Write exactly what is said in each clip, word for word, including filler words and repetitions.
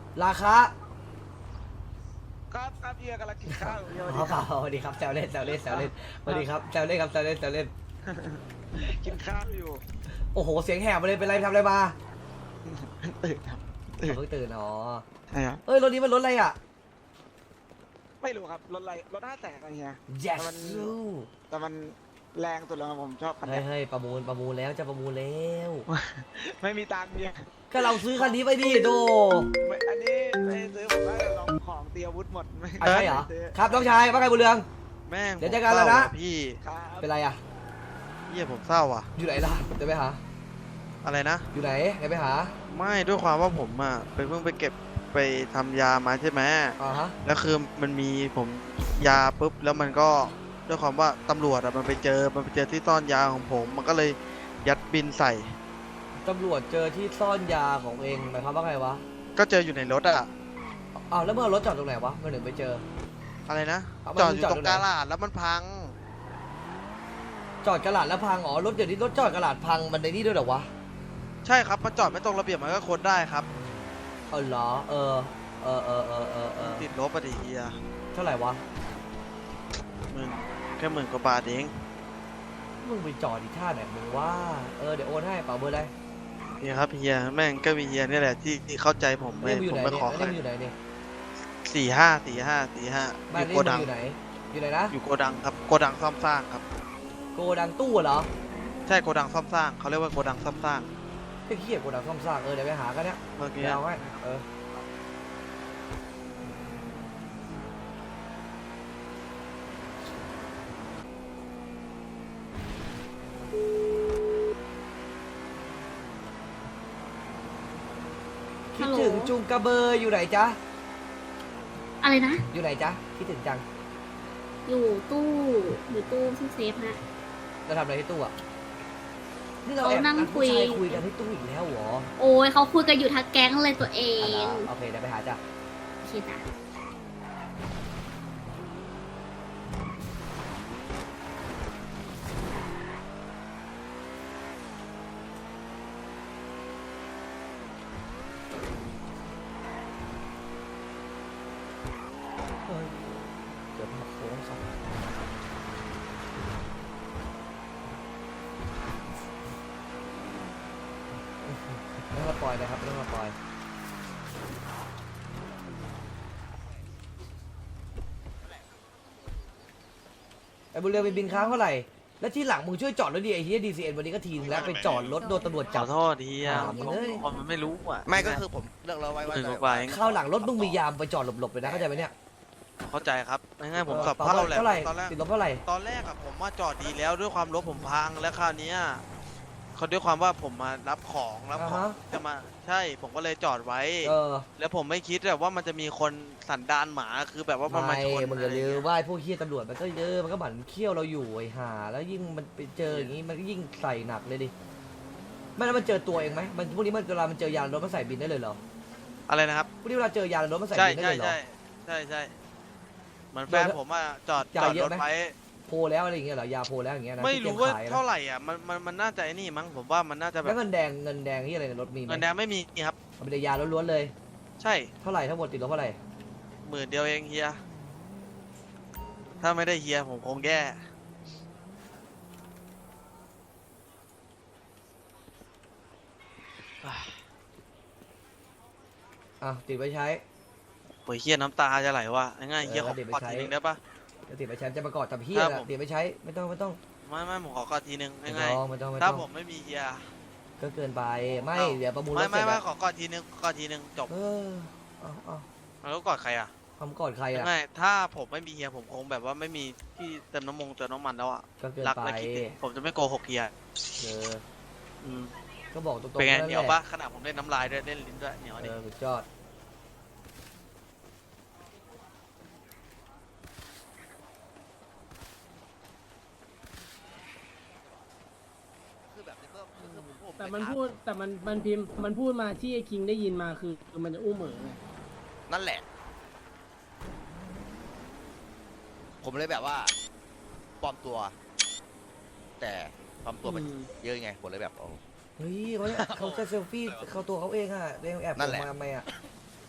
ราคาครับครับเฮียกำลังกินข้าวอยู่เฮียอ๋อสวัสดีครับแซวเล่นแซวเล่นแซวเล่นสวัสดีครับแซวเล่นครับแซวเล่นแซวเล่นกินข้าวอยู่โอ้โหเสียงแหบมาเลยเป็นไรทำอะไรมาตื่นครับตื่นเพิ่งตื่นอ๋อใช่ครับเอ้ยรถนี้มันรถอะไรอ่ะไม่รู้ครับรถอะไรรถห้าแสนอะไรเงี้ย yes แต่มันแต่มันแรงสุดแล้วครับผมชอบคันเฮ้เนี้ยยเฮ้ยประมูลประมูลแล้วจะประมูลแล้วไม่มีตังค์เนี่ยก็เราซื้อคันนี้ไปดิโดไม่อันนี้ไม่ได้ซื้อผมว่าลองของเตรียมอาวุธหมดไม่อ่ะใช่เหรอซื้ครับน้องชายว่าไงบุญเรืองแม่งเดี๋ยวเจอกันแล้วนะผมเศร้าอพี่ครับเป็นไรอ่ะเยี่ยผมเศร้าอ่ะอยู่ไหนล่ะเดี๋ยวไปหาอะไรนะอยู่ไหนเดี๋ยวไปหาไม่ด้วยความว่าผมอ่ะไปเพิ่งไปเก็บไปทำยามาใช่ไหมอ่าฮะแล้วคือมันมีผมยาปุ๊บแล้วมันก็ด้วยความว่าตำรวจอ่ะมันไปเจอมันไปเจอที่ซ่อนยาของผม มันก็เลยยัดบินใส่ตำรวจเจอที่ซ่อนยาของเองหมายความว่าไงวะก็เจออยู่ในรถอ่ะอ้าวแล้วเมื่อรถจอดตรงไหนวะเมื่อหนึ่งไปเจออะไรนะเอามันจอดอยู่จอดตรตรงงไหนกาลาดแล้วมันพังจอดกระดาษแล้วพังอ๋อรถเดี๋ยวนี้รถจอดกระดาษพังมันในนี่ด้วยเหรอวะใช่ครับมันจอดไม่ตรงระเบียบมันก็ค้นได้ครับเออเหรอเออเออเออเออเออเออติดลบปฏิเฮียเท่าไหร่วะหมื่นแค่หมื่นกว่าบาทเองมึงไปจอดอีท่าไหนมึงว่าเออเดี๋ยวโอนให้เปล่าเบอร์อะไรเฮียครับเฮียแม่งก็มีเฮียนี่แหละที่ที่เข้าใจผมไม่นี่มึงอยู่ผมไหนไม่เนี่ยขอนี่ใครมึงอยู่ไหนเนี่ยสี่ห้าสี่ห้าสี่ห้าอบ้านยู่นี่โกมึดังงอยู่ไหนอยู่ไหนนะอยู่โกดังครับโกดังซ่อมสร้างครับโกดังตู้เหรอใช่โกดังซ่อมสร้างเขาเรียกว่าโกดังซ่อมสร้างไอ้เหี้ยโกดังซ่อมสร้างเออเดี๋ยวไปหากันเนี่ยเมื่อกี้เดี๋ยวเอาให้เออคิฮัดลโหลถึงจุงกระเบอร์อยู่ไหนจ๊ะอะไรนะอยู่ไหนจ๊ะคิดถึงจังอยู่ตู้อยู่ตู้ที่เซฟฮะเราทำอะไรที่ตู้อ่ะนี่เราเขาแอบนั่งนัดคุผู้ยชายคุยกันที่ตู้อีกแล้วเหรอโอ้ยเขาคุยกันอยู่ทั้งแก๊งเลยตัวเออ่ะงเหรอโอเคเดี๋ยวไปหาจ้ะโอเคจ้ะเฮ้ยเดี๋ยวมาโค้งสองไม่ต้องมาปล่อยนะครับไม่ต้องมาปล่อยไอ้บุญเรืองไปบินค้างเท่าไหร่ แล้วที่หลังมึงช่วยจอดรถดีไอ้เฮียดีซีเอ็นวันนี้ก็ทีนึงแล้วไปจอดรถโดนตำรวจขจัอบ โทษทีอ่ะอ่ามึงเอ้ยคนมันไม่รู้อ่ะไม่ก็คือผมเลือกเราไว้หว่ามื่นจะกว่าบาทเองข้าวหลังรถมึงมียามไปจอดหลบๆเลยนะเข้าใจไหมเนี่ยเข้าใจครับง่ายๆผมออสับปรับเพร่าแหละเท่าไหร่ตอนแรกติดลบเท่าไหร่ตอนแรกอะผมมาจอดดีแล้วด้วยความรถผมพังแล้วคราวเนี้ยเขาด้วยความว่าผมมารับของรับของจะมาใช่ผมก็เลยจอดไว้เออแล้วผมไม่คิดแบบว่ามันจะมีคนสันดานหมาคือแบบว่ามันมาไม่ชนมึงอย่าลืมว่าไอ้พวกเฮียตำรวจมันก็เยอะมันก็หมั่นเคี้ยวเราอยู่ไอ้ห่าแล้วยิ่งมันไปเจออย่างงี้มันก็ยิ่งใส่หนักเลยดิไม่แล้วมันเจอตัวเองไหมมันพวกนี้มันเวลามันเจอยารถมันใส่บินได้เลยเหรออะไรนะครับพวกนี้เวลาเจอยารถมันใส่ใช่บินได้ใช่เลยเหรอใช่ใช่ใช่เหมือนแฟนผมอะจอดจ่าจยอดเยอะรถไหมไว้โพลแล้วอะไรอย่างเงี้ยเหรอยาโพลแล้วอย่างเงี้ยนะไม่ที่รู้เตยว่าขายนะเท่าไหร่อ่ะมันมันมันน่าจะไอ้นี่มั้งผมว่ามันน่าจะแบแล้บวเงินแดงเงินแดงที่อะไรในรถมีไหมเงินแดงไม่มีครับเอาเป็นยาล้วนๆเลยใช่เท่าไหร่ทั้งหมดติดลบเท่าไหร่หมื่นเดียวเองเฮียถ้าไม่ได้เฮียผมคงแย่อ่ะติดไปใช้โอ้ยเฮียน้ำตาจะไหลว่ะง่ายๆเฮียเออขอเดี๋ยวไปกอดใช้ทีนึงได้ปะจะติดไปใช้จะประกอบกับเฮียครับนะผมติดไปใช้ไม่ต้องไม่ต้องไม่ไม่ผมขอกอดทีนึงไม่ง่ายต้องไม่ต้องไม่ๆถ้าต้องผมไม่มีเฮียก็เกินไปไม่อ้าวเดี๋ยวประมูลรไม่ถเสไม่ร็จไม่อะขอกอดทีนึงกอดทีนึงจบเออเอาเอาแล้วก็กอดใครอ่ะทำก่อนใครอ่ะง่ายๆถ้าผมไม่มีเฮียผมคงแบบว่าไม่มีที่เติมน้ำมงเติมน้ำมันแล้วอ่ะก็เกินรักไปและคิดถึงผมจะไม่โกหกเฮียเอออืมก็บอกตรงๆเป็นไงนั่นเหแหนียวละปะขนาดผมเล่นน้ำลายด้วยเล่นลิ้นด้วยเหนียวเอดิอสุดยอดคือแบบนี้ก็คือผมแต่มันพูดแต่มันมันพิมพ์มันพูดมาที่ไอ้คิงได้ยินมาคือคือมันจะอู้เหม่อไงนั่นแหละ ผมเลยแบบว่าปลอมตัว แต่ปลอมตัวมันอืมเยอะไงผมเลยแบบโอ้เฮ้ยเขาเนี่ยเขาจะเซลฟี่เขาตัวเขาเองอ่ะเองแอบนั่นแหละมาทำไมอ่ะ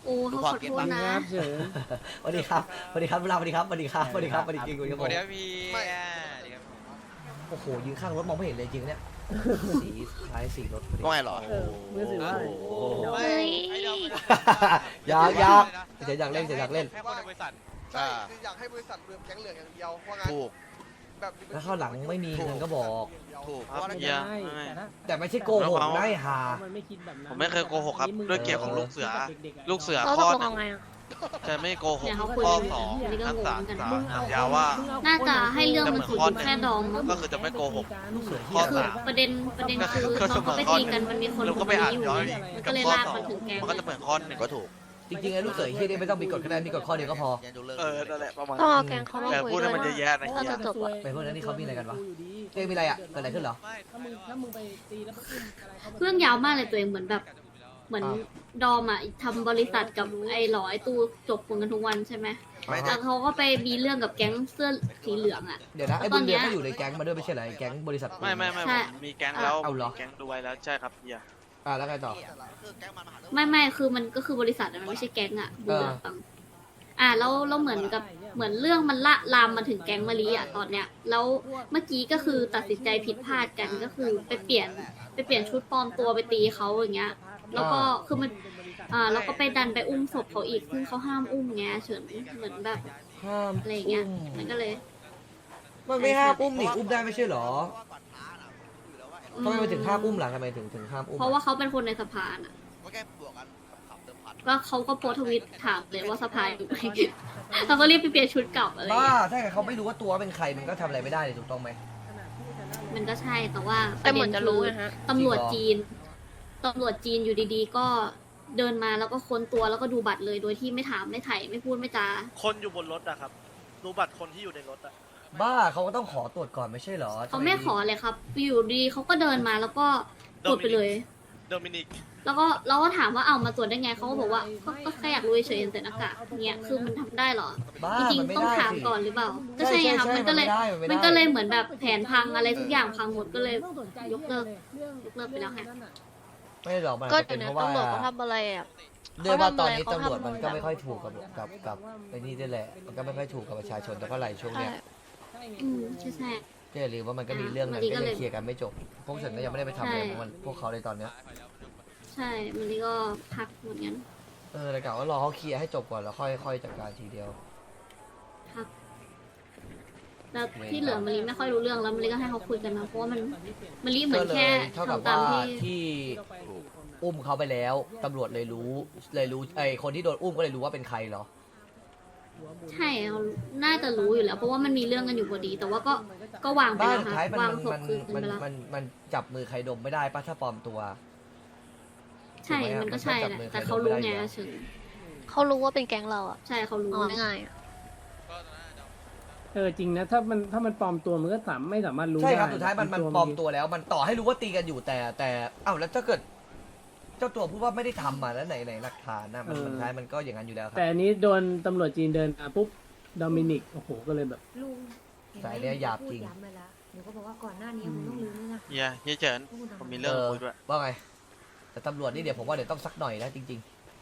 โอ้เขาขอโทษนะครับเฉินสวัสดีครับสวัสดีครับเวลาสวัสดีครับสวัสดีครับสวัสดีครับสวัสดีจริงคุณครับผมเดี๋ยวพี่โอ้โหยืนข้างรถมองไม่เห็นเลยจริงเนี่ยสีท้ายสีรถพอดีก็ไงเหรอเออมือถือว่าเฮ้ยอยากอยากเดี๋ยวอยากเล่นเดี๋ยวอยากเล่นแค่คนในบริษัทใช่คืออยากให้บริษัทรวมแก๊งเหลืองอย่างเดียวเพราะงั้นถูกแบบแล้วเข้าวหลังไม่มีเงินก็บอกถูกเพครัราะบว่าเฮียได้ไม่แต่ถ้าแต่ไม่ใช่โกหกได้หามันไม่คิดแบบนั้นผมไม่เคยโกหกครับด้วยเกียรติของลูกเสือ ลูกเสือเราข้ตอกลงเอาไงอ่ะจะไม่โกหกเนี่ยเขาคุยข้อกันสองอันนี้ก็นักงสาง รกันสามึรงเอายาว่าน่าจะให้เรื่องมันถูกอยู่แค่ดองมั้งก็คือจะไม่โกหกลูกเสือเหี้ข้อยคือสามประเด็นประเด็นคือก็เขาก็ไปตีกันมันมีคนเราคก็นไปอ่านนี้อยู่ย้อนมันกัก็บเลยข้อลากสอมาง ถึงแกงมันก็จะเหมือนข้อหนึ่งก็ถูกจริงๆไอ้ลูกเสือเฮียนี่ไม่ต้องมีกฎคะแนนมีกฎข้อเดียวก็พอยันดูเลิกเออนั่นแหละประมาณต้องเอาแกงเขามาแต่คุยพูดด้ให้วยมันเยอะๆนะก็เฮียจะจบอะไปพวกนั้นนี่เขามีอะไรกันวะ เอ้ยมีอะไรอ่ะเกิดอะไรขึ้นเหรอถ้ามึงถ้ามึงไปตีแล้วไปอุ้มอะไรเขาเรื่องยาวมากเลยตัวเองเหมือนแบบ เหมือนอ้าวดอมอ่ะทำบริษัทกับไอ้หลอไอ้ตู้จบกันทุกวันใช่ไหมไม่แล้วเขาก็ไปมีเรื่องกับแก๊งเสื้อสีเหลืองอ่ะเดี๋ยวนะไอ้ตบุอนญเนี้เรืองยก็อยู่ในแก๊งมาด้วยไม่ใช่เหรอไอ้แก๊งบริษัทไม่ไม่ไม่ใช่ผมมีแก๊งแล้วเอาเหรอมีแก๊งด้วยแล้วใช่ครับเฮียอ่ะแล้วไงต่อคือแก๊งมันมาหาเรื่องไม่ไม่คือมันก็คือบริษัทอะมันไม่ใช่แก๊งอ่ะบุญเหลืองอ่ะแล้วแล้วเหมือนกับเหมือนเรื่องมันละลามมาถึงแก๊งมะลิอ่ะตอนเนี้ยแล้วเมื่อกี้ก็คือตัดสินใจผิดพลาดกันก็คือไปเปลี่ยนไปเปลี่ยนชุดปลอมตัวไปตีเขาอย่างเงี้ย แล้วก็คือมันอ่าแล้วก็ไปดันไปอุ้มศพเขาอีกซึ่งเขาห้ามอุ้มไงเฉินเหมือนแบบห้ามอะไรอย่างเงี้ยอุ้มมันก็เลยมันไม่ห้ามอุ้มนี่อุ้มได้ไม่ใช่เหรอเพราะว่าก่อนท้าน่ะอยู่แล้วว่าทำไมมันถึงห้ามอุ้มล่ะทำไมถึงถึงห้ามอุ้มเพราะว่าเขาเป็นคนในสภาน่ะก็แค่บวกกันขับเติมพันก็เขาก็โพสต์ทวิตถามเลยว่าสภาอยู่ไหมเขาก็รีบไปเปลี่ยนชุดกลับอะไรอย่างบ้าเงี้ยถ้าเกิดเขาไม่รู้ว่าตัวเป็นใครมันก็ทำอะไรไม่ได้เลยถูกต้องไหมมันก็ใช่แต่ว่าแต่เหมือนจะรู้ปนะเด็ฮะคือตำรวจจีนตำรวจจีนอยู่ดีๆ ก็เดินมาแล้วก็ค้นตัวแล้วก็ดูบัตรเลยโดยที่ไม่ถามไม่ไถ่ไม่พูดไม่จาคนอยู่บนรถอะครับ ดูบัตรคนที่อยู่ในรถอะบ้าเขาก็ต้องขอตรวจก่อนไม่ใช่เหรอเขาไม่ขอเลยครับ อยู่ดีเขาก็เดินมาแล้วก็ตรวจไปเลยโดมินิกแล้วก็เราก็ถามว่าเอามาตรวจได้ไงเขาก็บอกว่าก็ก็แค่อยากรู้เฉยๆใส่หน้ากากเนี่ยคือมันทำได้เหรอบ้าจริงมันไม่ๆต้องได้ถามสิก่อนหรือเปล่าก็ใช่ไงครับมันก็เลยใช่ใช่มันไได้ก็เลยเหมือนแบบแผนพังอะไรทุกอย่างพังหมดก็เลย ยกเลิก ยกเลิกไปแล้วไงไม่หรอกมันก็อาจอจะเป็ยู่นในเพราะว่าตำรวจเขาทำอะไรอ่ะด้วยว่าตอนนี้เขาตำรวจทำมันก็แบบไม่ค่อยถูกกับกับกับไอ้นี่ด้วยแหละ มันก็ไม่ค่อยถูกกับประชาชนแต่เท่าไหร่ช่วงใช่เนี้ยอืมใช่ใช่ก็อย่าลืมว่ามันก็มีเรื่องนั้นอ่ะก็มันก็ยัเลยงเคลียร์กันไม่จบ พวกฉันก็ยังไม่ได้ไปทำอะไรใช่ของมันพวกเขาเลยตอนเนี้ยใช่มันนี่ก็พักเหมือนกันเออแต่กะว่ารอเขาเคลียร์ให้จบก่อนแล้วค่อยค่อยจัดการทีเดียวพักแล้วที่เหลือมะลิไม่ค่อยรู้เรื่องแล้วมะลิก็ให้เขาคุยกันมาเพราะว่ามันมะลิเหมืก็อนเลแค่ยเท่ากับทำตาว่ามที่ที่อุ้มเขาไปแล้วตำรวจเลยรู้เลยรู้ไอ้คนที่โดนอุ้มก็เลยรู้ว่าเป็นใครเหรอใช่เขาน่าจะรู้อยู่แล้ว เพราะว่ามันมีเรื่องกันอยู่พอดี แต่ว่าก็ก็วางไปบ้านแล้วสุดค่ะท้ายมันวางมันศพมันคืนกันมันไปแล้วมันมันจับมือใครดมไม่ได้ป้าถ้าปลอมตัวใช่ถูกไหมอะมันก็ใช่มันก็จับแหละมือใครแต่เขารู้ไม่ได้ไงอยู่แล้วเฉินเขารู้ว่าเป็นแก๊งเราอ่ะใช่เขารู้อ๋อไงง่ายๆอะเออจริงนะถ้ามันถ้ามันปลอมตัวมันก็สามไม่สามารถรู้ใช่ได้ครับสุดท้ายมันมันปลอมตัวแล้ว มันต่อให้รู้ว่าตีกันอยู่แต่แต่เอ้าแล้วถ้าเกิด เจ้าตัวพูดว่าไม่ได้ทำมาแล้วไหนไหนหลักฐานนะมันสุดท้ายมันก็อย่างนั้นอยู่แล้วครัแต่บอันนี้โดนตำรวจจีนเดินมาปุ๊บโดมินิกโอ้โหก็เลยแบบลุงสายเนี้ยหยาบจริงพูดย้ำมาแล้วเดี๋ยวก็บอกว่าก่อนหน้านี้คุณต้องรู้ด้วยนะเฮียเฮียเฉินว่าคุณทำผมมีอะเรื่องเออคุยด้วยว่าไง แต่ตำรวจนี่เดี๋ยวผมว่าเดี๋ยวต้องสักหน่อยนะจริง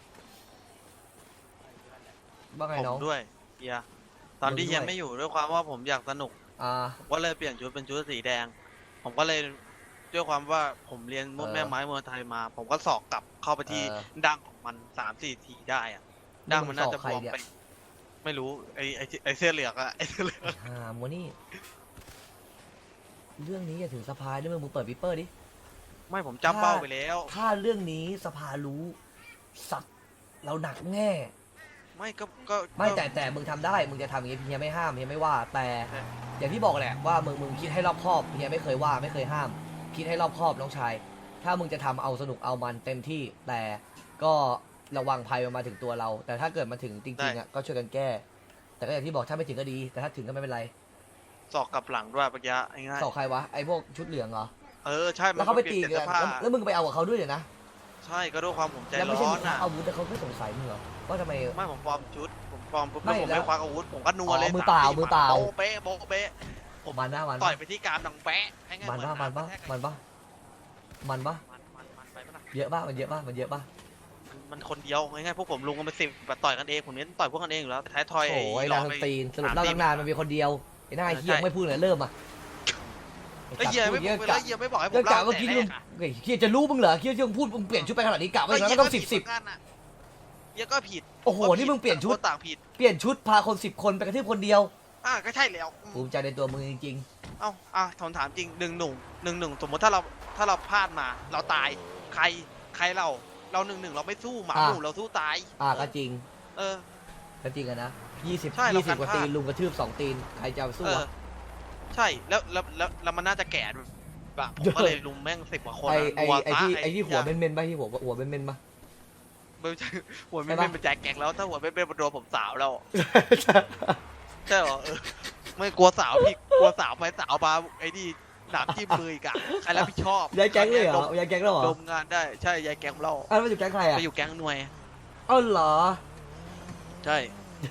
ๆว่าไงผมน้องด้วยเฮียตอนที่ผมด้วยเฮียไม่อยู่ด้วยความว่าผมอยากสนุกอ่าผมก็เลยเปลี่ยนชุดเป็นชุดสีแดง ผมก็เลยด้วยความว่าผมเรียนมุดเออแม่ไม้มวยไทยมา ผมก็สอกกลับเข้าไปที่เออดั้งของมันสามสี่ทีได้อะดั้งมันน่าจะมึงบสอกวมใครเนี่ยไป ไม่รู้ไอไอไอเสื้อเหลืองอะไอเสื้อเหลืองอ่าโมนี่ เรื่องนี้อย่าถึงสภาด้วยมึงมึงเปิดวิปเปอร์ดิไม่ผมจับเป้าไปแล้วถ้าเรื่องนี้สภารู้สัตว์เราหนักแน่ไม่ก็ก็ไม่ก็แต่แต่มึงทำได้ มึงจะทำอย่างนี้เฮียไม่ห้ามเฮียไม่ว่า แต่อย่างที่บอกแหละว่ามึงมึงคิดให้รอบคอบเฮียไม่เคยว่าไม่เคยห้าม คิดให้รอบคอบน้องชาย ถ้ามึงจะทำเอาสนุกเอามันเต็มที่ แต่ก็ระวังภัยมันมาถึงตัวเรา แต่ถ้าเกิดมาถึงจริงๆอ่ะก็ช่วยกันแก้ แต่ก็อย่างที่บอกถ้าไม่ถึงก็ดี แต่ถ้าถึงก็ไม่เป็นไรสอกกลับหลังด้วยปะยะง่ายสอกใครวะไอ้พวกชุดเหลืองเหรอๆเออใช่มัแล้วนเขาไปเปตีลี่ยนกัเสื้อน ผ้าแล้วแล้วมึงไปเอากับเขาด้วยเดี๋ยวนะใช่ก็ด้วยความผมใจแล้วไม่ร้ใช่อมึนงควัอ่ะกอาวุธแต่เขาไม่สงสัยมึงเหรอว่าทำไมไม่ผมปลอมชุดผมปลอมปุ๊บไม่แล้วผมแล้วไม่ควักอาวุธผมก็นัวอ๋อเลยมือเปล่าสสี่มือเปล่าโบ๊ะเป๊ะโบ๊ะเป๊ะผมมันนะมันต่อปะยไปที่กรามดังแป๊ะให้ง่ายมันเหปะอมันปะกระแทกมันปะมันปะมันมันมันมันไปปะล่ะเยอะปะมันเยอะปะมันเยอะปะมมันคนเดียวง่ายๆพวกผมลุงกันเป็นสิบแบบต่อยกันเองผมเน้นต่อยพวกกันเองอยู่แล้วท้ายทอยโอ้ยหลนาอกงไปตีนสรุปเล่าตั้งนานมันมีคนเดียวไอ้หน้าเฮียไม่พูดเลยเริ่มอ่ะไอ้เหี้ยไม่เยบอกกะไอ้เหี้ยไม่บอกให้ผเรื่อมงกะเล่าเมื่อกี้แต่ลุแรง กอะเฮ้ยเฮียจะรู้มึงเหรอเฮียที่มึงพูดมึงเปลี่ยนชุดไปขนาดนี้กะไว้แล้วต้องสิบสิบเหี้ยก็ผิดโอ้โหนี่มึงเปลี่ยนชุดต่างผิดเปลี่ยนชุดพาคนสิบคนไปกระทืบคนเดียวอ่ะก็ใช่แล้วภูมิใจในตัวมึงจริงเอ้าอ่ะถามถามจริงหนึ่งหนุ่งหนึ่งหนึ่งสมมติถ้าเราถ้าเราพลาดมา เราตายใครใครเราเราหนึ่งหนึ่งเราไม่สู้หมาหมู่เราสู้ตายๆอ่ะก็จริงเออก็จริงอะนะยี่สิบใช่เรายี่สิบกว่าการพลาดตีนลุงกระทืบสองตีนใครจะเอาสู้เอออะใช่แล้วแล้วแล้วแล้วมันน่าจะแก่แบบผมก็เลยลุมแม่งสิบกว่าคนไออะไอรัวไอที่ซะไอที่หัวเม่นๆป่ะที่หัวหัวเม่นๆป่ะไม่ใช่หัวไม่ใช่ปะเป็นเป็นแจ็คแกงแล้วถ้าหัวไม่เป็นโดนผมสาวแล้วใช่เหรอเออไม่กลัวสาวพี่กลัวสาวไปสาวมาไอ้นี่หนักที่มืออีกอะใครรับผิดชอบยายแก๊งเลยเหรอดมยายแก๊งแล้วเหรอดมงานได้ใช่ยายแก๊งเราอ้าวแล้วมันอยู่แก๊งใครอะไปอยู่แก๊งหน่วยอ้าวเหรอใช่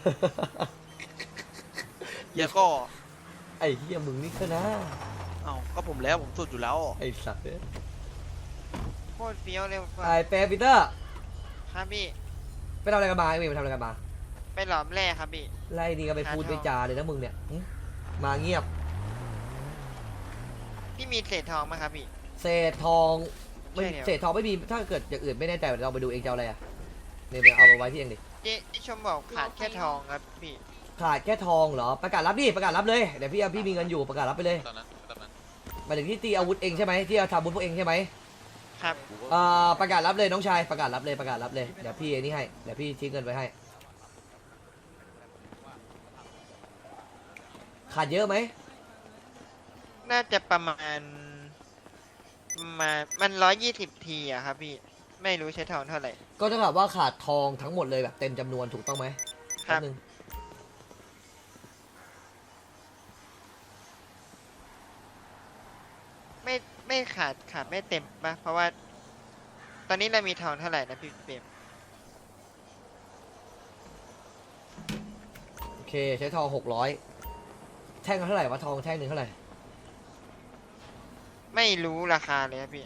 เยก็ไอ้เฮียมึงนี่ก็นะเอ้าก็ผมแล้วผมสุดอยู่แล้วไอ้สัตว์เนี่ยโคตรเฟี้ยวเลยไอ้เปปีเตอร์ครับพี่ไปทำอะไรกันมาไอ้เวย์ไปทำอะไรกันมาไปหลอมแร่ครับพี่ไล่นี่ก็ไปพูดไปจาเลยนะมึงเนี่ยหึมาเงียบพี่มีเศษทองไหมครับพี่เศษทองไม่ใช่แล้วเศษทองไม่มีถ้าเกิดอย่างอื่นไม่แน่ใจเดี๋ยวเราไปดูเองจะเอาอะไรอ่ะเนี่ยไปเอามาไว้ที่เองดิเจ๊ที่ชมบอกขาดแค่ทองครับพี่ขาดแค่ทองเหรอประกาศรับดิประกาศรับเลยเดี๋ยวพี่พี่มีเงินอยู่ประกาศรับไปเลยตอนนั้นตอนนั้นหมายถึงที่ตีอาวุธเองใช่ไหมที่เอาทำอาวุธพวกเองใช่ไหมครับเอ่อประกาศรับเลยน้องชายประกาศรับเลยประกาศรับเลยเดี๋ยวพี่ไอ้นี่ให้เดี๋ยวพี่ทิ้งเงินไว้ให้ขาดเยอะไหมน่าจะประมาณประมาณมันร้อยยี่สิบทีอะครับพี่ ไม่รู้ใช้ทองเท่าไหร่ก็เท่ากับว่าขาดทองทั้งหมดเลยแบบเต็มจำนวนถูกต้องไหมครับแป๊บนึงไม่ไม่ขาดขาดไม่เต็มปะเพราะว่า ตอนนี้เรามีทองเท่าไหร่นะพี่เปรมโอเคใช้ทองหกร้อยแท่งละเท่าไหร่วะทองแท่งหนึ่งเท่าไหร่ไม่รู้ราคาเลยครับพี่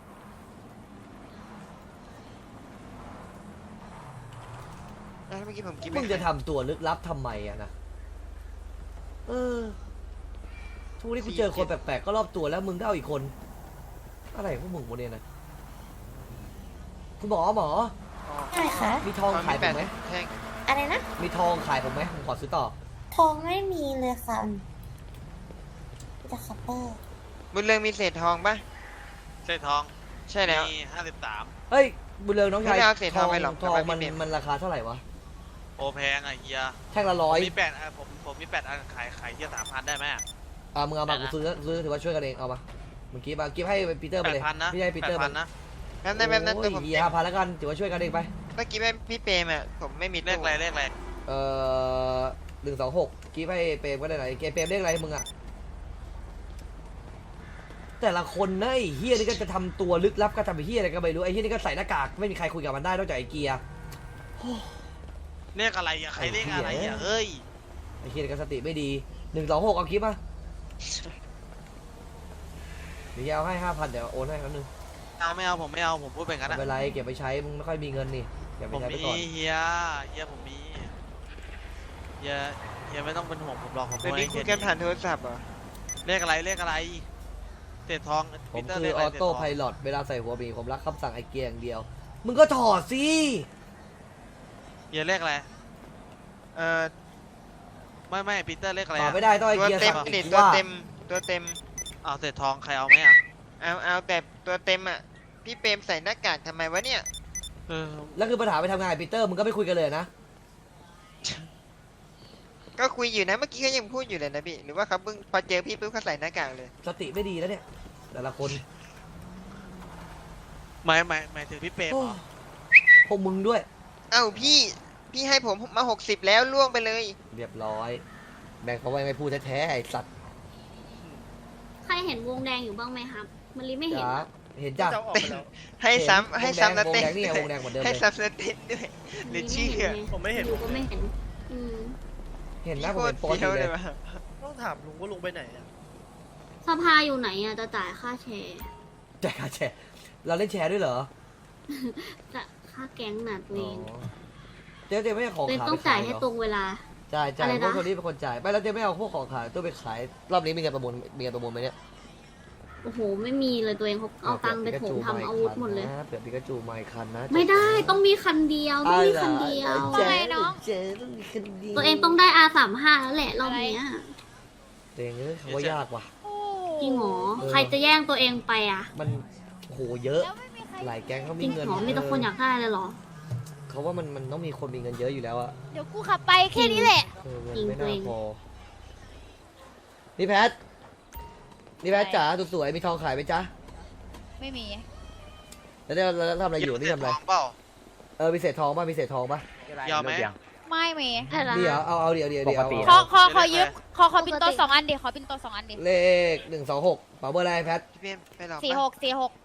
แล้วเมื่อกี้ผมกินมึงจะทำตัวลึกลับทำไมอะนะเออทุกวันนี้กูเจอคนแปลกๆก็รอบตัวแล้วมึงก็เอาอีกคน อะไรพวกมึงโมเดลนะคุณหมอหมอใช่ค่ะมีทองขายผมไหมแท่งอะไรนะมีทองขายผมไหมผมขอซื้อต่อทองไม่มีเลยค่ะมีแต่คัพเปอร์บุญเรืองมีเศษทองปะเศษทองใช่แล้วมีห้าสิบสามเฮ้ยบุญเรืองน้องชายไม่เอาเศษทองไปหรอกทองแต่ว่ามันไม่เป็นมันราคาเท่าไหร่วะโอแพงอ่ะเฮียแท่งละผร้อมยมีแปดอันผมผมมีแปดอันขายขายเฮียสามพันได้ไหมอ่ามึงเอามากูซื้อซื้อถือว่าช่วยกันเองเอามาเมื่อกี้มากิฟให้ปีเตอร์ไปแปดเลยพันนะพี่ให้ปีแปเตอดร์ไปพันนะแป๊บนึงแป๊บนึงตัวผมโอ้ยห้าพันแล้วกันถือว่าช่วยกันเองไปเมื่อกี้แม่พี่เปรมอ่ะผมไม่มีเลขอะไรเลขอะไรเอ่อหนึ่งสองหกกิฟให้เปรมก็ได้ไหนเกมเปรมเรียกอะไรมึงอะแต่ละคนนะไอ้เฮียนี่ก็จะทำตัวลึกลับก็ทำไอ้เฮียอะไรก็ไม่รู้ไอ้เฮียนี่ก็ใส่หน้ากากไม่มีใครคุยกับมันได้นอกจากไอ้เกียร์เลขอะไรอ่ะใครเลขอะไรอ่ะเอ้ยไอ้เฮียนี่ก็สติไม่ดีหนึ่งสองหกเอาคลิปมาเดี๋ยวเอาให้ห้าพันเดี๋ยวโอนให้ครั้งนึงเอาไม่เอาผมไม่เอาผมพูดเป็นกันไม่นะเป็นไรเก็บไปใช้มึงไม่ค่อยมีเงินนี่เก็บไปผมใช้ไปมีก่อนเฮียเฮียผมมีเฮียเฮียไม่ต้องเป็นห่วงผมหรอกผมเดี๋ยวนี้คุยกันผ่านโทรศัพท์เหรอเลขอะไรเลขอะไรเศษทองผมปีเตร์คืเลอขะอไรอโต้เศษทงไพลอตเวลาใส่หัวหมีผมรักคำสั่งไอ้เกียร์อย่างเดียว มึงก็ถอดสิเฮียเลขอะไรเอ่อไม่ไม่ปีเตอร์เลขอะไรตอบอะไม่ได้ต้องไอ้ตัวเกียร์เต็มสั่งนี่กูตัวว่าเต็มตัวเต็มเอาเศษทองใครเอาไหมอ่ะเอาเอาแต่ตัวเต็มอ่ะพี่เปรมใส่หน้ากากทำไมวะเนี่ยเออแล้วคือปัญหาไปทำงานกับปีเตอร์มึงก็ไม่คุยกันเลยนะก็คุยอยู่นะเมื่อกี้เขายังพูดอยู่เลยนะพี่หรือว่าเขาเพิ่งพอเจอพี่ปุ๊บเขาใส่หน้ากากเลยสติไม่ดีแล้วเนี่ยแต่ละคนหมายหมายหมายถึงพี่เปรมโอ้เหรอพวกมึงด้วยเอ้าพี่พี่ให้ผมมาหกสิบแล้วล่วงไปเลยเรียบร้อยแบ่งเขาไว้ไม่พูดแท้ๆไอ้สัตว์ใครเห็นวงแดงอยู่บ้างไหมครับมันรีไม่เห็นจ๋าอะเห็นจ้ะเจ้าออกไปแล้วให้ซ้ำให้ซ้ำแล้ววงเต้นแดงนี่ด้ไงววงแดงเหมือนเดิมให้เลยซ้ำแล้วเต้นด้วยหรือมันเชี่รียไงผมไม่เห็นอยู่ก็ไม่เห็น อืมเห็นพี่นะผโคมตเห็รนโปสเฟี้อย ยู่เลวเลย ยว่ะต้องถามลุงว่าลุงไปไหนอะสภาอยู่ไหนอ่ะจะจ่ายค่าแชร์แจกค่าแชร์เราเล่นแชร์ด้วยเหรอจะคค่าแก๊งน่ะตัวอ๋เออง เจ๊เจ๊ไม่เอาของตัวเองขายต้องไปจ่าขาย ยให้เหรอตรงเวลาจ่ายจ่ายอะไรพวกนะคนนี้เป็นคนจ่ายไม่แล้วเจ๊ไม่เอาพวกของขายตัวไปขายรอบนี้มีเงินประมูลมีเงินประมูลไหมเนี่ยโอ้โหไม่มีเลยตัวเองเขาเอาตังค์ไปโถมทำอาวุธหมดเลยเผื่อปิกาจูมาอีกคันนะไม่ได้ต้องมีคันเดียวต้องมีคันเดียวเจ๊เจ๊ต้องมีคันเดียวตัวเองต้องได้ อาร์ สามสิบห้า แล้วแหละรอบเนี้ยเจ๊เอ้ยเขาว่ายากว่ะจริงเหรอเออใครจะแย่งตัวเองไปอ่ะมันโอ้โหเยอะหลายแก๊งเขาจมีริงเงินเหรอมีแต่คนอยากได้เลยเหรอเขาว่ามันมันต้องมีคนมีเงินเยอะอยู่แล้วอะเดี๋ยวกูขับไปแค่นี้แหละเออเงินจริงไม่ตัวน่าเองพอนี่แพทนี่แพทจ๋าสวยๆมีทองขายไหมจ๊ะไม่มีแล้วเนี่ยแล้วทำอะไรอยู่นี่ทำอะไรทองเปล่าเออมีเศษทองป่ะมีเศษทองป่ะยอมไหมไม่มีเดี๋ยวเอาเอาเดี๋ยวเดี๋ยวเดี๋ยวเอาขอเอาขอขอยืมขอขอปินโตสองอันดิขอปินโตสองอันดิเลขหนึ่งสองหกเป๋าเบอร์อะไรแพทพี่เพียมไปหรอสี่หกสี่หก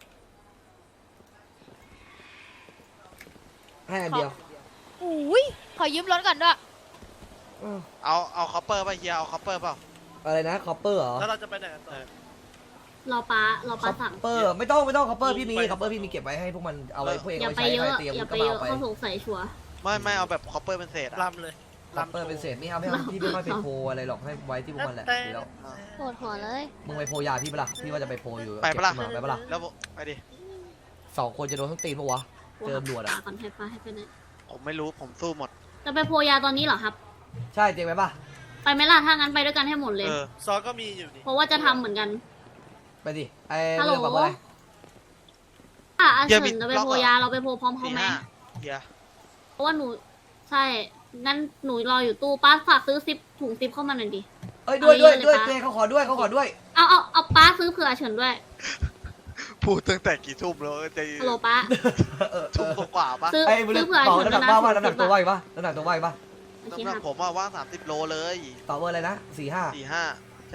ให้อันเดียวอุ้ยขอยืมรถก่อนด้วยอ้าวเอาเอาคอปเปอร์ป่ะเฮียเอาคอปเปอร์เปล่าอะไรนะคอปเปอร์เหรอแล้วเราจะไปไหนกันต่อรอป้ารอคป้าอสั่งปเปอร์ไม่ต้องไม่ต้องคอปเปอร์พี่มีไปคอปเปอร์พี่มีเก็บไว้ให้พวกมันเอาไว้พวกเองอย่าเอาไปไว้ใช้เยอะให้เตรียมอย่าก็ไปมาเยเอาอะไปเขาสงสัยชัวร์ไม่ไม่เอาแบบคอปเปอร์เป็นเศษอะลำเลยคอปเปอร์เป็นเศษไม่เอาไม่เอาพี่ไม่ค่อยไปโพลอะไรหรอกให้ไว้ที่พวกมันแหละดีแล้วปวดหัวเลยมึงไปโพลยาพี่ปะล่ะพี่ว่าจะไปโพลอยู่ไปปะล่ะเก็บขึ้นมาไปปะล่ะแล้วไปดิสองคนจะโดนทั้งตีนปะวะ เจอหนวดอะป้าก่อนให้ป้าให้ไปไหนผมไม่รู้ผมสู้หมดจะไปโพยาตอนนี้เหรอครับใช่เจ๊งไหมปะไปไหมล่ะถ้างั้นไปด้วยกันให้หมดเลยเออซอก็มีอยู่นี่เพราะว่าจะทำเหมือนกันไปดิไอ้ฮัลโหลเรื่องแบบว่าอะไรอ่ะอาเดี๋ยวเฉิมีนจะไปล็อกโพเหรอยาเราไปโพพร้อมเขาสี่ไหมห้าเฮียเพราะว่าหนูใช่งั้นหนูรออยู่ตู้ป้าฝากซื้อซิปถุงซิปเข้ามาหน่อยดิเอ้ยด้วยด้วยเอาเยอะเลยด้วยปะเจ๊เขาขอด้วยเขาขอด้วยเอาเอาเอาป้าซื้อเผื่อเฉินด้วยพูดตั้งแต่กี่ทุ่มแล้วจะฮัลโหลป้าเออเอทุ่มอกว่าปะซื้อไอ้มึงซื้อเผื่อเป่าเฉินน้ำหด้นัวยกนะว่าว่าน้ำหนักตัวว่าอีกปะน้ำหนักตัวว่าอีกปะโอเคน้ำหนัคกรับผมอะว่างสามสิบโลเลยเป่าเบอร์อะไรนะสี่ห้าสี่ห้าใช่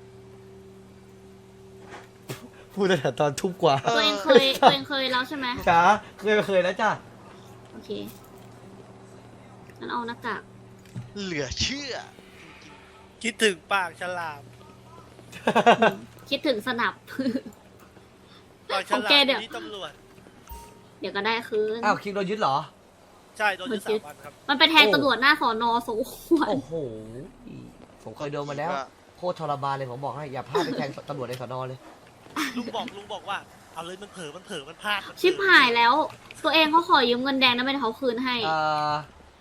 พูดตั้งแต่ตอนทุ่มกว่าตัวเองเคยตัวเองเคยแล้วใช่ไหมจ้าเคยเคยแล้วจ้าโอเคงั้นเอาหน้ากากเหลือเชื่อคิดถึงปากฉลามคิดถึงสนับปากฉโอลาเคมเดี๋ยวที่ตำรวจเดี๋ยวก็ได้คืนอ้าวคิงโดนยึดเหรอใช่โดนยึดสามวันครับมันไปแทงตำรวจหน้าสอนอสมควรโอ้โหผมเคยโดนมาแล้วโคตรทรมานเลยผมบอกให้อย่าพลาดไปแทงตำรวจในสอนอเลยลุงบอกลุงบอกว่า เอาเลยมันเผลอมันเผลอมันพลาดมันเผลอชิบหายแล้ว ตัวเองเขาขอยืมเงินแดงนะไม่ได้เขาคืนให้เอ่อ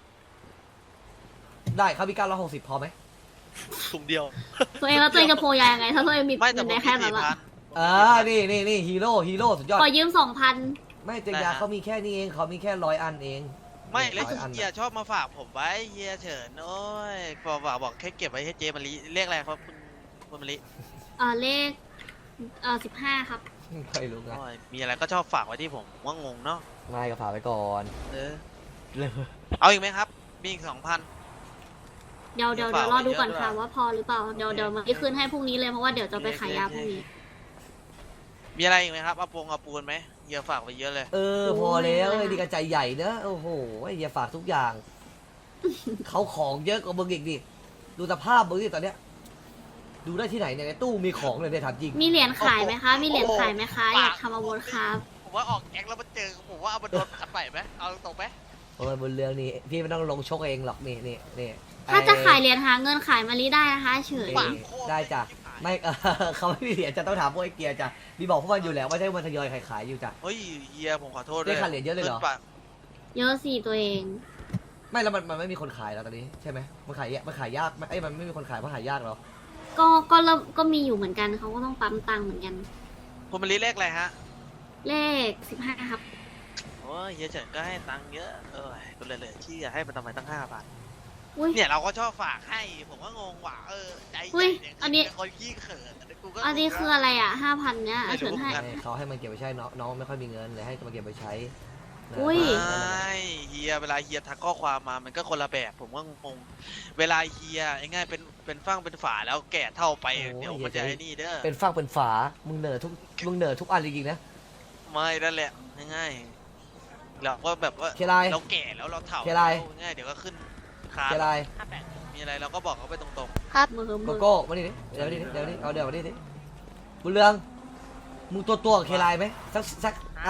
ได้ครับมีเก้าร้อยหกสิบพอไหมถุงเดียวตัวเองแล้วตัวเองจะโพยายังไง ถ้าตัวเองมีไม่แต่เงินผแดมงมีแค่นั้สี่นละพันอ่านี่นี่นี่ฮีโร่ฮีโร่สุดยอดขอยืมสองพันไม่เจยาเขามีแค่นี้เองเขามีแค่ร้อยอันเองไม่แล้วร้อยอันเฮียชอบมาฝากผมไว้เฮียเฉินโอ้ยบอกบอกบอกแค่เก็บไว้ให้เจมะลิเรียกอะไรครับคุณคุณมะลิเออเลขเออสิบห้าครับไม่รู้นะโอ้ยมีอะไรก็ชอบฝากไว้ที่ผมว่างงเนาะนายก็ฝากไปก่อนเออเลยเอาอีกไหมครับ มีอีกสองพันเดี๋ยวเดี๋ยวเดี๋เดี๋ยยว วรอดูก่อนฝากไว้ค่ะเยอะด้วยว่าพอหรือเปล่า เดี๋ยวเดี๋ยวมาที่คืนให้พรุ่งนี้เลยเพราะว่าเดี๋ยวจะไปขายยาพรุ่งนี้มีอะไรอีกไหมครับเอาปงเอาปูนไหมเฮียฝากไปเยอะเลยเออพอแล้วไอ้ดีกระใจใหญ่เนอะโอ้โหไอ้เหี้ยฝากทุกอย่าง เขาของเยอะกว่ามึงอีกดิดูสภาพมึงดิตอนเนี้ยดูได้ที่ไหนเนี่ยในตู้มีของเลยเนี่ยถามจริงมีเหรียญขายไหมคะ มีเหรียญขายไหมคะ อยากทำอาวุธครับผมว่าออกแก๊งแล้วมาเจอผมว่าเอามาโดนขัดใหม่ไหมเอาตรงๆไหมโอ้ยบนเรื่องนี้พี่ไม่ต้องลงชกเองหรอกนี่นี่นี่ถ้าจะขายเหรียญหาเงินขายมาลีได้นะคะ เฉยเอ้ยได้จ้ะไม่ เออเขาไม่มีเหรียญจะต้องถามพวกไอ้เกียร์จ้ะมีบอกพวกมันอยู่แล้วว่าใช่มันทยอยขายขายอยู่จ้ะเฮ้ยเฮียผมขอโทษด้วได้ยขาดเหรียญเยอะเลยเหรอขึ้นปะเยอะสิตัวเองไม่แล้วมันมันไม่มีคนขายแล้วตอนนี้ใช่ไหมมันขายยากมันขายยากไหมไอ้ยมันไม่มีคนขายเพราะขายยากเหรอก็ก็เริ่มก็มีอยู่เหมือนกันเขาก็ต้องปั๊มตังค์เหมือนกันคุณมะลิเลขอะไรฮะเลขสิบห้าครับโอ้ยเฮียเฉินก็ให้ตังค์เยอะเออก็เลยเลยที่ให้มันทำไมตั้งห้าพันอุ้ยเนี่ยเราก็ชอบฝากให้ผมก็งงว่ะเออใจอุ้ใหยญ่เนี่ยอันนี้เป็นคนขี้เขินอันนี้กูก็อันนี้คืออะไรอ่ะห้าพันเนี้ยไม่รู้เฉินให้เหมือนกันให้เขาให้มันเก็บไว้ใช้น้องน้องไม่ค่อยมีเงินเลยให้มันเก็บไว้ใช้นะอุ้ยไม่เฮียเวลาเฮียทักข้อความมามันก็คนละแบบ ผมก็งงเวลาเฮียง่ายๆเป็นเป็นฟั่งเป็นฝาแล้วแก่เท่าไปเดี๋ยวมันจะไอ้นี่เด้อเป็นฟังเป็นฝา มึงเหนื่อยทุก มึงเหนื่อยทุกอันจริงๆนะไม่นั่นแหละง่ายๆเราก็แบบว่าเคไลเราแก่แล้วเราเฒ่าเคไลแล้วง่ายเดี๋ยวก็ขึ้นคานเจไรมีอะไรเราก็บอกเขาไปตรงครับมือโกมือโก้มาดิดิเดี๋ยวดิเดี๋ยวดิเอาเดี๋ยวมาดิดิบุญเรือง มึงตัวตัวกับเคไลไหมสักสักอันนี้ๆ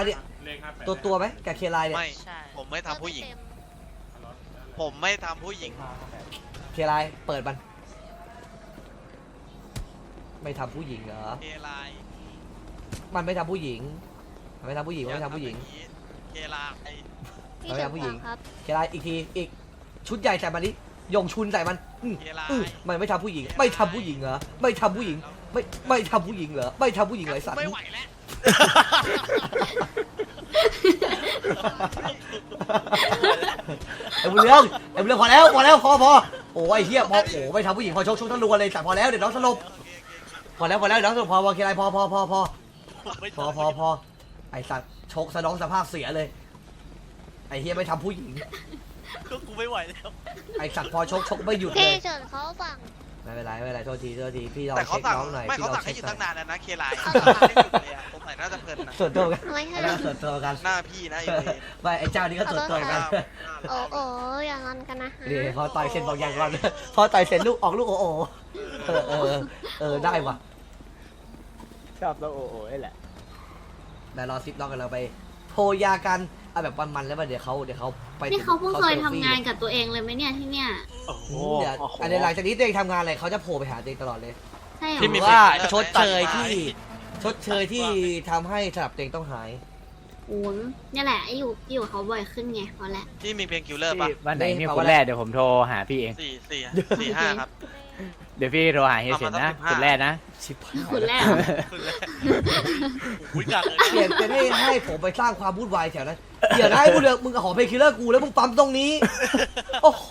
ตัวตัวไหมกับเคไลเนี่ยไม่ ผมไม่ทำผู้หญิง ผมไม่ทำผู้หญิงเคไลเปิดมันไม่ทำผู้หญิงเหรอเคไลน์มันไม่ทำผู้หญิงมันไม่ทำผู้หญิงมันไม่ทำผู้หญิงเคไลน์พี่เอาเฉิอย่างนผู้หญิงครับเคไลอีกทีอีกชุดใหญ่ใส่มันดิยงชุนใส่มันอืมเคไลอืมน์มันไม่ทำผู้หญิง ไม่ทำผู้หญิงเหรอไม่ทำผู้หญิงไม่ไม่ทำผู้หญิงเหรอไม่ทำผู้หญิงเหรอไอ้สัตว์ไม่ไหวแล้วไอ้บุญเรืองไอ้บุญเรืองพอแล้วพอแล้วพอพอโอ้ยไอ้เหี้ยพอโอ้ไม่ทำผู้หญิงพอชกชกทั้งรัวเลยสัตว์พอแล้วเดี๋ยวน้องสลบพอแล้วพอแล้วเดี๋ยวน้องสลบพอพอเคไลพอพอพอพอไม่พอพอพอไอสัตว์ชกสะน้องสภาพเสียเลย ไอเฮียไม่ทำผู้หญิงก็กูไม่ไหวแล้วไอสัตว์พอชกชกไม่หยุดเลพี่ยเฉินเขาสั่งไม่เป็นไรไม่เป็นไรโทษทีโทษทีพี่ลองแต่เขาเช็คสั่งน้องหน่อยไม่พี่เขาลองสั่งให้เช็หคยุดหน่ตั้อง ยนานแล้วนะเคไลน์ไม่หยุดเลยอะสงสัยน่าจะเพลินนะส่วนตัวกันไม่ให้อันนั้นส่วนตัวกันหน้าพี่นะไอ้เวรไม่ไอเจ้านี่ก็ส่วนตัวกันโอ้โอ้อย่างนั้นกันนะฮะนี่พอต่อยเสร็จบอกอย่างก่อนพอต่อยเสร็จลูกออกลูกโอโอเออเออเออได้ว่ะชอบตัวโอโอ้แหละเดี๋ยวรอซิปน้องกันเราไปโพยากันเอาแบบมันๆแล้วเดี๋ยวเขาเดี๋ยวเขาไปนี่เขาเพิ่งเคยซทำลฟี่งานกับตัวเองเลยไหมเนี่ยที่เนี่ยโอ้โหอืมเดี๋ยวอันนี้หลังจากนี้ตัวเองทำงานอะไรเขาจะโผล่ไปหาตัวเองตลอดเลยใช่เหรที่มีอว่าเพลงเลิกชดเชยไหมที่ชดเชยที่ทำให้สลับเต็งต้องหายโอ้ยเนี่ยแหละไอ้อยู่อยู่กับเขาบ่อยขึ้นไงเพราะแหละที่มีเพลงคิวเลอร์ป่ะวันไหนมีคนแรกเดี๋ยวผมโทรหาพี่เองสี่สี่สี่ห้าครับเดี๋ยวพี่โทรหาเฮียเฉินนะเอามาสักสิบห้าคนแรกนะชิบหายคนแรกคุณแรกอุ้ยกักเลยเปลี่ยนเป็นให้ให้ผมไปสร้างความวุ่นวายแถวนั้นเดี๋ยวนะไอ้บุญเรืองมึงขอเพลงคิลเลอร์กูแล้วมึงปั๊มตรงนี้โอ้โห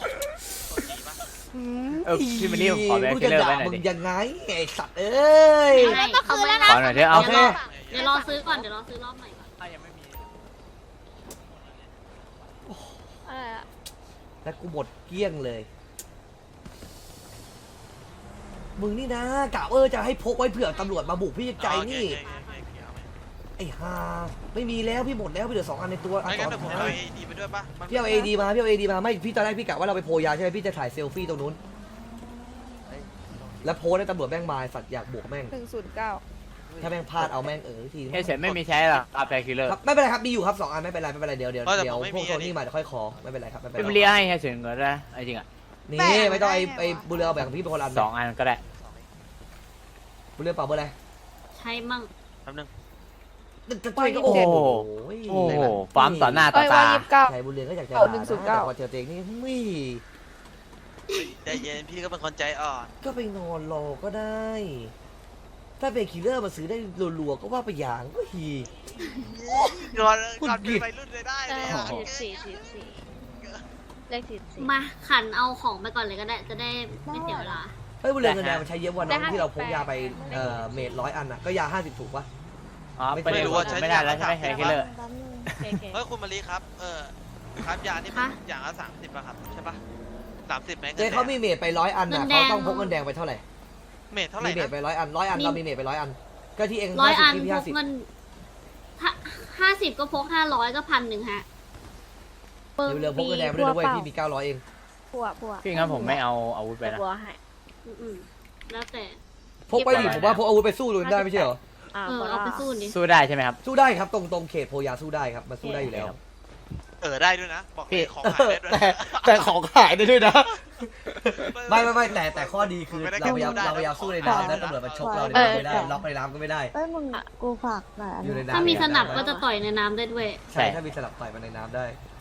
เออพี่มันนี่ผมขอแบงค์กูคิจะลเลอร์ด่าไว้หน่อยมึงดิยังไงไอ้สัตว์เอ้ยไม่ก็คืนแล้วนะขอหน่อยเถอะเอาโอเคเดี๋ยวรอซื้อก่อนเดี๋ยวรอซื้อรอบใหม่ก่อนอะไรอะแล้วกูหมดเกลี้ยงเลย มึงนี่นะกะเออจะให้พกไว้เผื่อตำรวจมาบุกพี่ใจนี่ ไอ้ห่าไม่มีแล้วพี่หมดแล้วพี่เหลือสองอันในตัวอันไม่สองั้นงเดี๋ยวผมเอาเอดีไปด้วยป่ะมันพี่เอาเอดีมาพี่เอาเอดีมาไม่พี่ตอนแรกพี่กะว่าเราไปโพยาใช่ไหมพี่จะถ่ายเซลฟี่ตรงนู้น แล้วโพสให้ตำรวจแม่งมาสัตว์อยากบวกแม่งหนึ่งศูนย์เก้าถ้าแม่งพลาดเอาแม่งเออทีเฮียเฉินไม่มีใช้หรอกเอาแบงค์คิลเลอร์ครับไม่เป็นไรครับมีอยู่ครับสองอันไม่เป็นไรไม่เป็นไรเดี๋ยวเดี๋ยวเดี๋ยวพวกโทนี่มาเดี๋ยวค่อยขอไม่เป็นไรครับไม่เป็นพี่ไรมันเรียกให้เฮียเฉินก่อนนะจริงอ่ะนี่ไม่ต้องไอ้ไอ้บุญเรือเอาแบ่งพี่เป็นคนละสองอันก็ได้บุญเรือเปล่าเบอร์อะไรใช่มั่งแป๊บนึงตัวเองก็โอ้โหโอ้โหปั๊มต่อหน้าต่อตาใช่บุญเรือก็อยากจะเอาหนึ่งศูนย์เก้าแต่ว่าเจอตัวเองนี่ไม่ใจเย็นพี่ก็เป็นคนใจอ่อนก็ไปนอนรอก็ได้ ถ้าเป็นคิลเลอร์มาซื้อได้รัวๆก็ว่าไปอย่างก็ฮีก่อนพูดก่อนผิเป็นดวัยรุ่นเลยได้เลยอะสี่สี่สี่สี่เลขสี่สี่มาขันเอาของไปก่อนเลยก็ได้จะได้ไม่เสียเวลาเฮ้ยบุญเรือเงินแดงมันใช้เยอะกว่าน้ได้องห้าที่เราพกสิบแปดยาไปเอ่อเมตรร้อยอันน่ะก็ยาห้าสิบถูกปะอ๋อไม่ไม่รู้ว่าใช้ไม่ได้แล้วใช่ไหมแฮร์คิลเลอร์โอเคเฮ้ยคุณมารีครับ เออครับยานี่มันอย่างละสามสิบอะครับใช่ปะสามสิบไหมเจ๊เขามีเมตรไปร้อยอันน่ะเขาต้องพกเงินแดงไปเท่าไหร่เมทเท่าไหร่มีเมตนะรไปร้อยอันร้อยอันเรามีเมตรไปร้อยอัน ก็ที่เองร้อยอันที่พพี่กห้าสิบเงินถ้าห้าสิบก็พกห้าร้อยก็พันหนึ่งฮะเรือพกเงินแดงไปด้วยด้วยพี่มีเก้าร้อยเองผัวผัวพี่งั้นผมไม่เอาอาวุธไปนะผัวให้อืมแล้วแต่พกไปดิผมว่าพกอาวุธไปสู้เลยได้ไม่ใช่เหรออ่าเออเอาไปสู้ดิสู้ได้ใช่ไหมครับสู้ได้ครับตรงตรงเขตโพยาสู้ได้ครับมันสู้ได้อยู่แล้วเออได้ด้วยนะ บอกเลยของหายได้ด้วยแต่แต่ของขายได้ด้วยนะ ไม่ไม่ไม่แต่แต่ข้อดีคือเราพยายามเราพยายามสู้ในน้ำแล้วตำรวจมาชกเราในน้ำไม่ได้ล็อกในน้ำก็ไม่ได้เอ้ยมึงกูฝากหน่อยอันอยู่ในนี้น้ำถ้ามีสนับก็จะต่อยในน้ำได้ด้วยใช่ถ้ามีสลับต่อยมาในน้ำได้